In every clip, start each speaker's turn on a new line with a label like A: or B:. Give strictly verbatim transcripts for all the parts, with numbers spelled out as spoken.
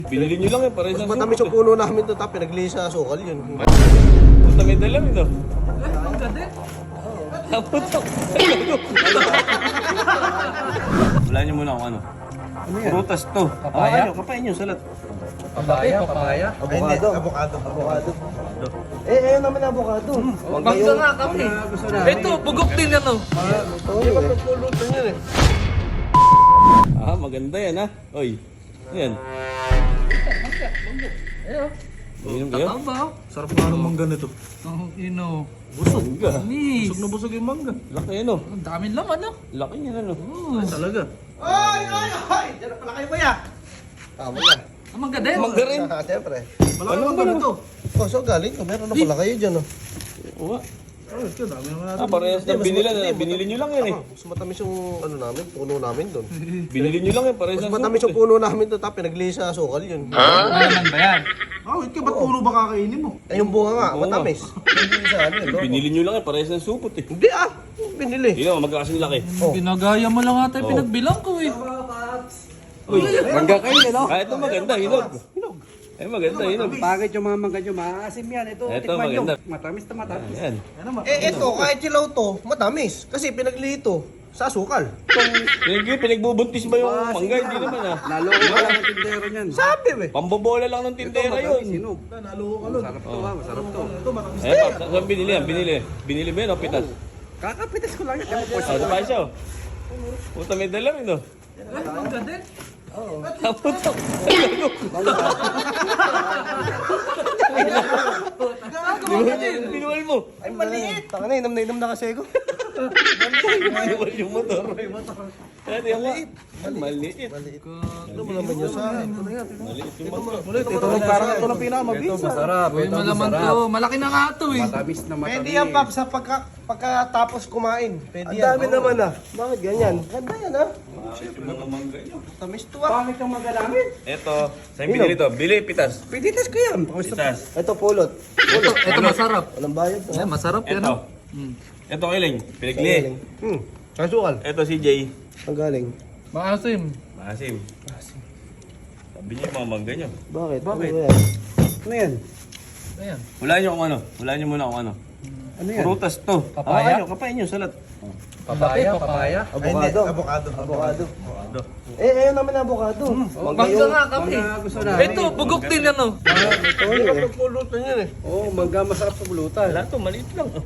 A: Binili nyo lang yan, para
B: Mas
A: isang
B: matamis yung puno namin to, tapos pinaglihi sa sukal yun.
A: Punta may dalam ito. Naputok. Wala nyo muna kung ano. Prutas to.
C: Papaya?
A: Ah, ano, kapain nyo, salat.
C: Papaya, papaya.
B: Avocado. Avocado. Avocado. Eh, ayun naman avocado. Huwag
D: Mangga nga kami.
C: Gusto na.
D: Ito, bugok din yan oh.
B: Ito yun eh.
A: Pulutan yan eh. Ah, maganda yan ha. Oy. Yan.
D: Ayo.
A: Inom kayo?
D: Tama oh.
E: Sarap nga ng mangga nito.
D: Ang ino.
A: Busog ka.
D: Miss.
E: Busog na busog yung mangga.
A: Laki ano.
D: Ang daming laman oh.
A: Laki niya ano.
E: Ay, talaga.
B: Ay, ay, ay! Diyan na pala kayo ba ya? Tama yan.
D: Ang mangga din.
A: Mangga rin.
B: Ah, siyempre.
E: Malaki ano ba nito?
B: Oh, so galing ko. Meron na pala kayo dyan, oh.
A: Oo.
E: Ay, ito, dami naman natin.
A: Ah, parehas ng binili na. Binili nyo lang yan eh.
B: Ah, mas matamis yung ano namin, puno namin doon.
A: Binili nyo lang yan, parehas
B: Mas
A: ng
B: matamis yung puno namin doon, tapos pinaglihi sa sukal yun.
D: Malaman ba yan?
E: Ah, wait ka, ba't puro ba kakainin mo?
B: Eh, yung bunga nga,
A: Bunga.
B: matamis. Hindi sa ano, yun, no?
A: Binili nyo lang yan, parehas ng supot eh.
B: Hindi ah, binili.
A: Hindi naman, magkakasing laki.
D: Ginagaya mo lang ata yung
A: Oh.
D: pinagbilang ko eh.
A: Uy,
C: Mangga kayo, no?
A: ah, ito maganda, hinog. Hinog. Ay, maganda, hinog.
C: Pangit yung mga mangga nyo, maasim yan. Ito,
A: Ito,
C: tikman nyo.
A: maganda.
C: Matamis na matamis.
A: Yan.
B: Eh, ito, kahit silaw to, matamis. Kasi pinaglihi to sa sukal.
A: Pinag pinagbubuntis ba yung mangga? Hindi naman ah.
C: Naloko ka lang ang tindero niyan.
B: Sabi, be.
A: Pambobola lang ng tindera yun.
C: Sinog.
E: Naloko ka nun.
C: Masarap to ha, masarap to.
A: Eh, pa, saan binili yan? Binili. Binili ba yun o pitas?
C: Kakapitas ko lang yan. Ewan ko
A: Oh, ito pa siya oh. Puta may dalam ito.
D: Ang mangga din.
A: Naputok. Binuwal mo.
B: Ay, maliit. Taka na, inam na inam na kasi ako.
A: Binuwal yung motor. Ano yung maliit? Maliit.
B: Maliit. Ano mo naman yun sa akin? Ito na yan.
A: Maliit yung motor.
E: Ulit, ito lang parang ito lang pinakamabisa.
C: Masarap.
D: Uy, malaman to. Malaki na nga to eh.
C: Matamis na matamis.
B: Pwede yan, Pap, sa pagka, pagkatapos kumain. Pwede
E: Ang
B: yan.
E: dami naman ah.
B: Bakit ganyan? Ganda yan, ha?
A: Mga mangga nyo.
B: Tamis to, ah.
C: Pangit yung mangga namin.
A: Ito. Saan binili to? Bili, pitas.
C: Piditas ko yan.
A: Pitas.
B: Ito, pulot.
D: Ito, ito masarap.
B: Walang bayad to.
D: Eh, masarap yan
A: Ito.
D: oh. Hmm.
A: Ito kiling. Pinagli.
B: Hmm. Sa sukal.
A: Ito si Jay.
B: Ang galing.
D: Maasim.
A: Maasim. Sabi niyo yung mga mangga nyo.
B: Bakit?
A: Bakit?
B: Ano yan?
C: Ano yan?
D: Ayan.
A: Wala nyo kung ano. Wala nyo muna kung ano.
C: Ano yan?
A: Prutas to.
D: Papaya?
A: Ah, ano, kapain nyo, salat.
D: Papaya, papaya.
B: Avocado. Avocado. Avocado. Eh, ayun naman avocado.
D: Mangga nga kami.
C: Mangga gusto na.
D: Ito, bugok din yan oh.
B: Ito yun, eh.
A: Pulutan yan eh.
C: Oo, mangga masarap sa bulutan.
A: Wala to, maliit lang. Oh.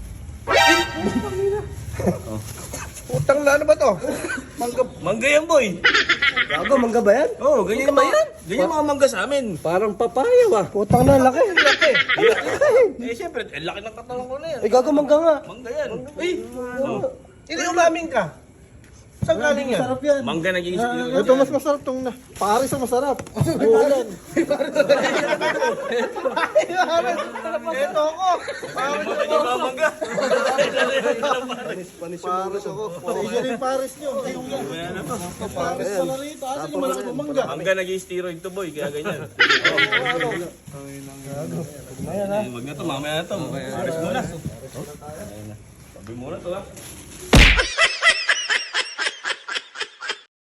B: Utang na ano ba to?
A: Mangga, mangga yan boy.
B: Gago, mangga ba yan?
A: Oo, oh, ganyan ba yan? Ganyan mga mangga sa amin.
C: Parang papaya ba?
B: Utang na, laki.
A: Laki. Eh, siyempre, eh, laki ng katawan ko na yan.
B: Eh, gago, mangga nga.
A: Mangga yan. Ay, oh.
B: Hindi umamin ka. Saan galing yan? Sarap yan.
A: Mangga naging
E: Ito mas masarap tong na. Paris ang masarap. Ulan.
B: Ito ako.
A: Mangga yung mga mangga.
B: Panis ako.
E: Paris yung Paris nyo. Yung Paris sa narito. Asan yung malaki mangga?
A: Mangga naging steroid to boy, kaya ganyan. Eh, wag na to, mamaya na to. Paris muna. Sabi muna to ha.